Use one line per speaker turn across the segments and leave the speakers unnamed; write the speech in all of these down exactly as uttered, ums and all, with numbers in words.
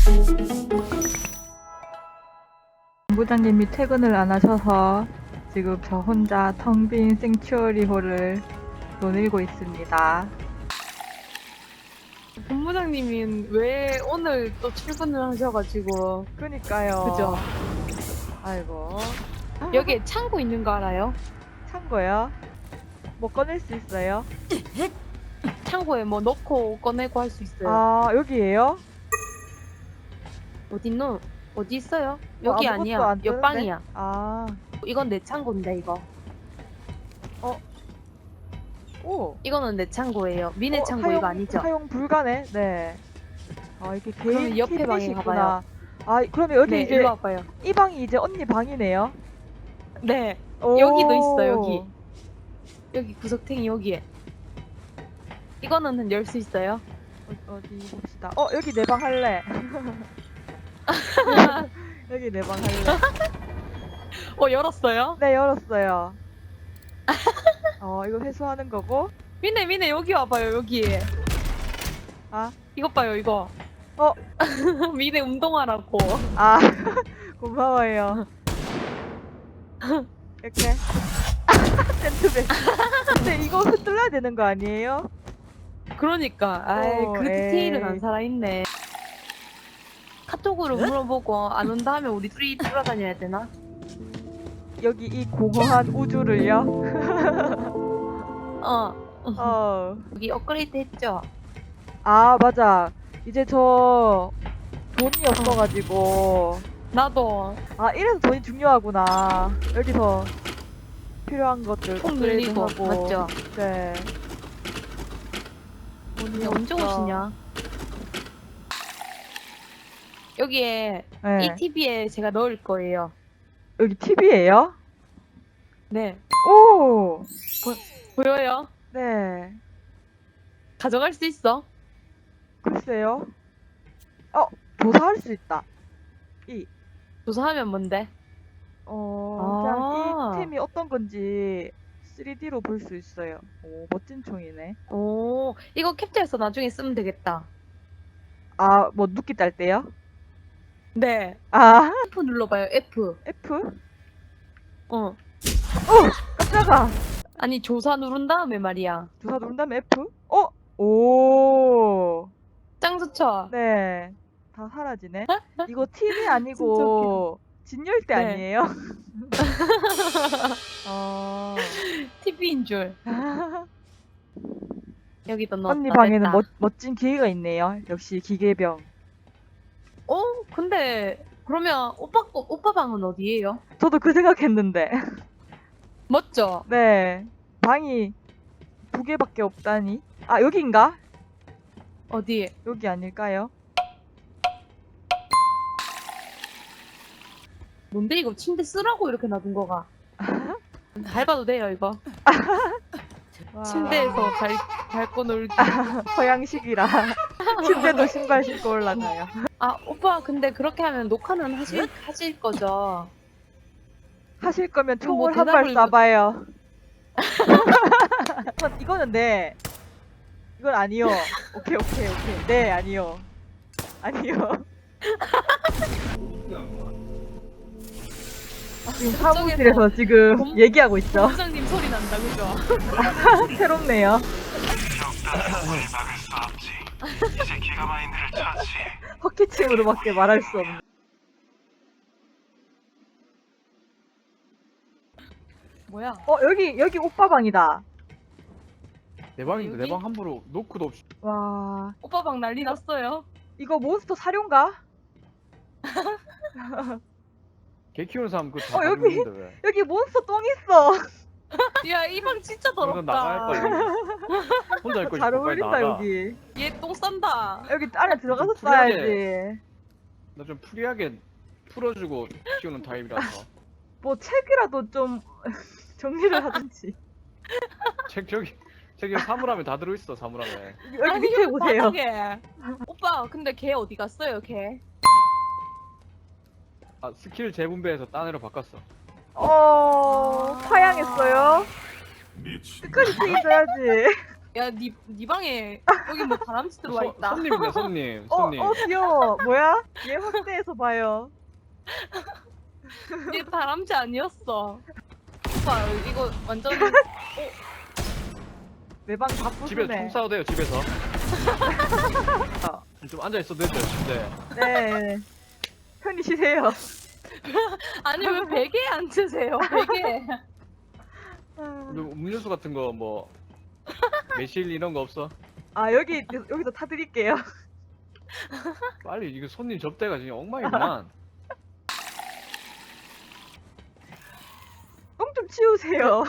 본부장님이 퇴근을 안 하셔서 지금 저 혼자 텅 빈 생츄어리홀을 노늘고 있습니다.
본부장님이 왜 오늘 또 출근을 하셔가지고.
그니까요.
그죠?
아이고.
여기에 창고 있는 거 알아요?
창고요? 뭐 꺼낼 수 있어요?
창고에 뭐 넣고 꺼내고 할 수 있어요.
아, 여기에요?
어딨노? 어디 있어요?
뭐
여기
아무것도
아니야.
안 뜨는데?
옆방이야.
아,
이건 내 창고인데 이거.
오.
이거는 내 창고예요. 미네
어,
창고
사용,
이거 아니죠?
사용 불가네. 네. 아, 이게
그러면
개인
옆에 방에
티빗이구나. 아, 그러면 여기
네,
이제
일로 와봐요.
이 방이 이제 언니 방이네요.
네,
오.
여기도 있어, 여기. 여기 구석탱이 여기에. 이거는 열 수 있어요?
어, 어디 봅시다. 어, 여기 내 방 할래. 여기 내 방 할래.
어, 열었어요?
네, 열었어요. 어, 이거 회수하는 거고.
미네, 미네, 여기 와봐요, 여기.
아,
이것 봐요, 이거.
어.
미네 운동하라고.
아, 고마워요. 이렇게. 센트백. 근데 이거 흔들려야 되는 거 아니에요?
그러니까, 아이,
어,
그 디테일은
에이.
안 살아있네. 카톡으로 물어보고 안 온다 하면 우리 둘이 돌아다녀야 되나?
여기 이 공허한 우주를요?
어.
어.
여기 업그레이드 했죠?
아, 맞아. 이제 저 돈이 없어가지고.
나도
아, 이래서 돈이 중요하구나. 여기서 필요한 것들
통 늘리고,
업그레이드하고.
맞죠?
네. 돈이
근데 언제
없어.
오시냐? 여기에
네.
이 티비에 제가 넣을 거예요.
여기 티비예요?
네.
오!
보여요?
네.
가져갈 수 있어?
글쎄요. 어, 조사할 수 있다. 이.
조사하면 뭔데?
어, 그냥
아.
이 템이 어떤 건지 쓰리디로 볼 수 있어요. 오, 멋진 총이네.
오, 이거 캡처해서 나중에 쓰면 되겠다.
아, 뭐 눕기 딸 때요?
네.
아,
F 눌러봐요, F.
F?
어.
깜짝아.
아니, 조사 누른 다음에 말이야.
조사 누른 다음에 F? 어? 오.
짱 좋죠?
네. 다 사라지네. 이거 티비
진짜
아니고 진열대
네.
아니에요? 어.
티비인 줄. 여기도 넣었다.
언니 방에는
됐다.
멋, 멋진 기계가 있네요. 역시 기계병.
어? 근데, 그러면 오빠, 거- 오빠 방은 어디예요?
저도 그 생각했는데.
멋져?
네. 방이 두 개밖에 없다니. 아, 여긴가?
어디?
여기 아닐까요?
뭔데 이거 침대 쓰라고 이렇게 놔둔 거가? 밟아도 돼요 이거.
와,
침대에서 밟, 밟고 놀기.
서양식이라. 침대도 신발 신고 올라가요.
아 오빠 근데 그렇게 하면 녹화는 하실, 하실 거죠?
하실 거면
그럼 뭐
총을 한 발
대답을-
쏴봐요. 이건, 이거는 네. 이건 아니요. 오케이, 오케이, 오케이. 네, 아니요. 아니요. 지금 사무실에서 지금
본-
얘기하고 있죠.
부장님 소리 난다 그죠?
새롭네요.
적당히 막을 수 없지. 이제 기가마인드를 처치.
헛기침으로밖에 말할 수 없는.
뭐야?
어, 여기, 여기 오빠 방이다.
내 방인데
여기?
내 방 함부로 노크도 없이
와,
오빠 방 난리 났어요.
이거 몬스터 사료인가?
개 키우는 사람 그거 다
어, 여기.
가지고 있는데 왜?
여기 몬스터 똥 있어.
야 이 방 진짜
이건 나갈
더럽다.
거야. 혼자 있고
잘
싶어 빨리
어울린다,
나가.
여기.
얘 똥 싼다.
여기 안에 들어가서
좀 풀하게.
싸야지.
나 좀 프리하게 풀어주고 키우는 타입이라서.
뭐 책이라도 좀 정리를 하든지.
책 저기 저기 사물함에 다 들어있어 사물함에.
여기
아니,
밑에
여기
보세요.
바닥에. 오빠 근데 걔 어디 갔어요 걔?
아 스킬 재분배해서 딴 애로 바꿨어.
어, 파양했어요. 끝까지 책임져야지.
야, 니, 니 방에 여기 뭐 바람쥐 들어와
소-
있다.
손님이네 손님
어,
손님.
어, 귀여워. 뭐야? 얘 확대해서 봐요.
니 바람쥐 아니었어. 오빠 이거 완전
매방 다
집에서 총
부수네.
싸워도 돼요 집에서. 좀 앉아 있어도 되죠 침대.
네. 편히 쉬세요.
아니 왜 베개에 앉으세요? 베개.
근데 음료수 같은 거 뭐 매실 이런 거 없어?
아, 여기, 여기서 타드릴게요.
빨리 이거 손님 접대가 지금 엉망이구만.
똥 좀 치우세요.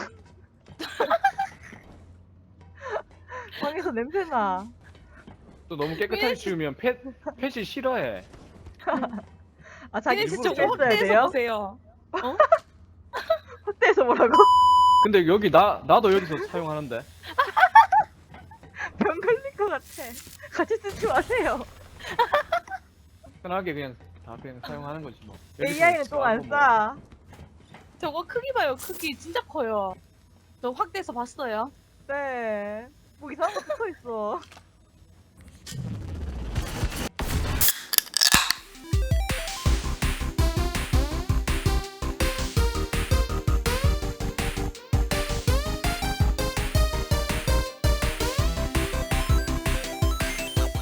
방에서 냄새나.
또 너무 깨끗하게
왜?
치우면 펫 펫이 싫어해.
아, 자기
니
일부러
진짜
일부러
저거
뺐어야
확대해서
돼요?
보세요.
확대해서 뭐라고?
근데 여기 나 나도 여기서 사용하는데.
병 걸릴 것 같아. 같이 쓰지 마세요.
편하게 그냥 다 그냥 사용하는 거지 뭐. 여기서
에이아이는 똥 안
싸고 뭐.
싸.
저거 크기 봐요. 크기 진짜 커요. 저 확대해서 봤어요.
네. 뭐 이상한 거 붙어 있어.